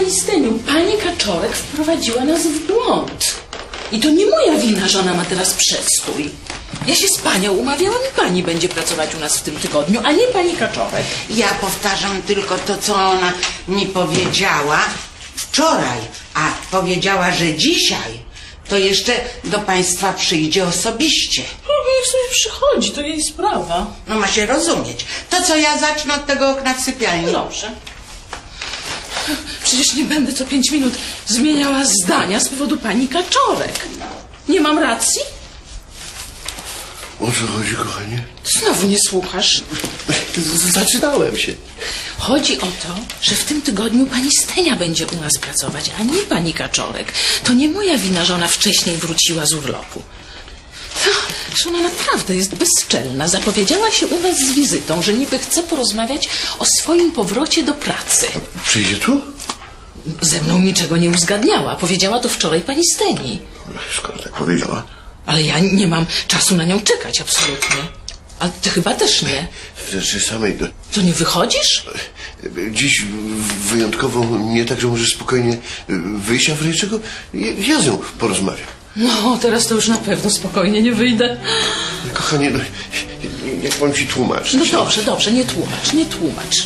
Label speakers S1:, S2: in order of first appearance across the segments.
S1: Pani Steniu, pani Kaczorek wprowadziła nas w błąd. I to nie moja wina, że ona ma teraz przestój. Ja się z panią umawiałam i pani będzie pracować u nas w tym tygodniu, a nie pani Kaczorek.
S2: Ja powtarzam tylko to, co ona mi powiedziała wczoraj, a powiedziała, że dzisiaj to jeszcze do państwa przyjdzie osobiście.
S1: No, niech sobie przychodzi, to jej sprawa.
S2: No ma się rozumieć. To co, ja zacznę od tego okna w sypialni.
S1: Dobrze. Przecież nie będę co 5 minut zmieniała zdania z powodu pani Kaczorek. Nie mam racji?
S3: O co chodzi, kochanie?
S1: Znowu nie słuchasz.
S3: Zaczynałem się.
S1: Chodzi o to, że w tym tygodniu pani Stenia będzie u nas pracować, a nie pani Kaczorek. To nie moja wina, że ona wcześniej wróciła z urlopu. Że ona naprawdę jest bezczelna. Zapowiedziała się u nas z wizytą, że niby chce porozmawiać o swoim powrocie do pracy.
S3: Przyjdzie tu?
S1: Ze mną niczego nie uzgadniała. Powiedziała to wczoraj pani Steni.
S3: Skoro tak powiedziała.
S1: Ale ja nie mam czasu na nią czekać, absolutnie. A ty chyba też nie.
S3: Znaczy samej...
S1: To nie wychodzisz?
S3: Dziś wyjątkowo nie tak, że możesz spokojnie wyjść, a w razie czego ja z nią porozmawiam.
S1: No, teraz to już na pewno spokojnie nie wyjdę.
S3: Kochanie, no, jak mam ci tłumaczyć?
S1: No dobrze, dobrze, nie tłumacz, nie tłumacz.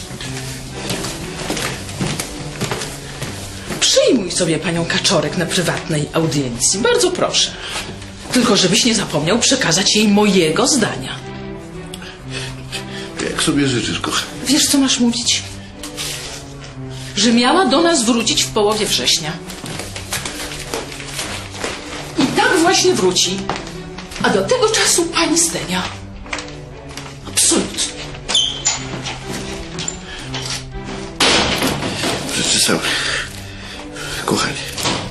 S1: Przyjmuj sobie panią Kaczorek na prywatnej audiencji. Bardzo proszę. Tylko żebyś nie zapomniał przekazać jej mojego zdania.
S3: Jak sobie życzysz, kochanie.
S1: Wiesz, co masz mówić? Że miała do nas wrócić w połowie września. I tak właśnie wróci. A do tego czasu pani Stenia. Absolutnie.
S3: Rzeczy sam. Kochanie.